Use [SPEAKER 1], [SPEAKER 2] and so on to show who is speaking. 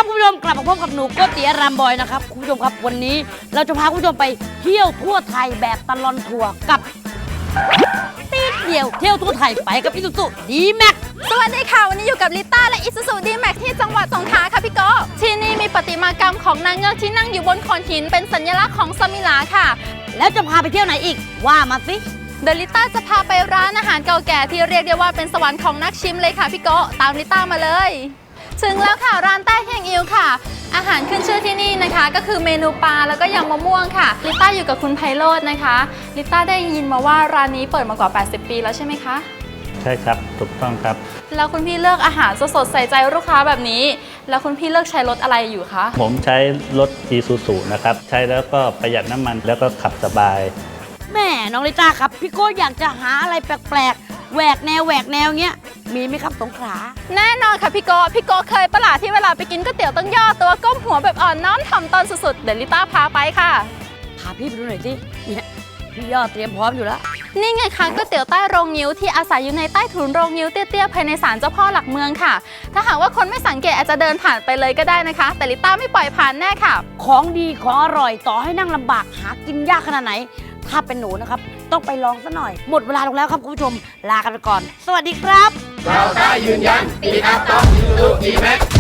[SPEAKER 1] คุณผู้ชมกลับมาพบกับหนูโกติอารามบอยนะครับคุณผู้ชมครับวันนี้เราจะพาคุณผู้ชมไปเที่ยวทั่วไทยแบบตลอดทัวร์กับตีเดียวเที่ยวทั่วไทยไปกับอิซูซุดีแม็ก
[SPEAKER 2] สวัสดีค่ะ วันนี้อยู่กับลิต้าและอิซูซูดีแม็กที่จังหวัดสงขลาค่ะพี่โกที่นี่มีประติมากรรมของนางเงือกที่นั่งอยู่บนโขดหินเป็นสัญลักษณ์ของสมิลาค่ะ
[SPEAKER 1] แล้วจะพาไปเที่ยวไหนอีกว่ามาสิ
[SPEAKER 2] เดลิต้าจะพาไปร้านอาหารเก่าแก่ที่เรียกได้ว่าเป็นสวรรค์ของนักชิมเลยค่ะพี่โกตามลิต้ามาเลยถึงแล้วค่ะร้านใต้เฮียงอิวค่ะ อาหารขึ้นชื่อที่นี่นะคะ ก็คือเมนูปลาแล้วก็ยำมะม่วงค่ะลิต้าอยู่กับคุณไพโรจน์นะคะลิต้าได้ยินมาว่าร้านนี้เปิดมากว่า80 ปีแล้วใช่ไหมคะ
[SPEAKER 3] ใช่ครับถูกต้องครับ
[SPEAKER 2] แล้วคุณพี่เลือกอาหารสดๆใส่ใจลูกค้าแบบนี้แล้วคุณพี่เลือกใช้รถอะไรอยู่คะ
[SPEAKER 3] ผมใช้รถ Isuzu นะครับใช้แล้วก็ประหยัดน้ำมันแล้วก็ขับสบาย
[SPEAKER 1] แม่น้องลิต้าครับพี่โก้อยากจะหาอะไรแปลกๆแหวกแนวเงี้ยมีไหมครับสงขลา
[SPEAKER 2] แน่นอนค่ะพี่โกเคยประหลาดที่เวลาไปกินก๋วยเตี๋ยวต้องย่อตัวก้มหัวแบบอ่อนน้อมถ่อมตนสุดๆเดี๋ยวลิต้าพาไปค่ะ
[SPEAKER 1] พาพี่ไปดูหน่อยสิเนี่ยพี่ยอดเตรียมพร้อมอยู่แล้ว
[SPEAKER 2] นี่ไงคะก๋วยเตี๋ยวใต้โรงงิ้วที่อาศัยอยู่ในใต้ถุนโรงงิ้วเตี้ยๆภายในศาลเจ้าพ่อหลักเมืองค่ะถ้าหากว่าคนไม่สังเกตอาจจะเดินผ่านไปเลยก็ได้นะคะแต่ลิต้าไม่ปล่อยผ่านแน่ค่ะ
[SPEAKER 1] ของดีของอร่อยต่อให้นั่งลำบากหากินยากขนาดไหนถ้าเป็นหนูนะครับต้องไปลองซะหน่อยหมดเวลาลงแล้วครับคุณผู้ชมลากันไปก่อนสวัสดีครับ
[SPEAKER 4] เราได้ยืนยันปีครับต้องIsuzu D-Max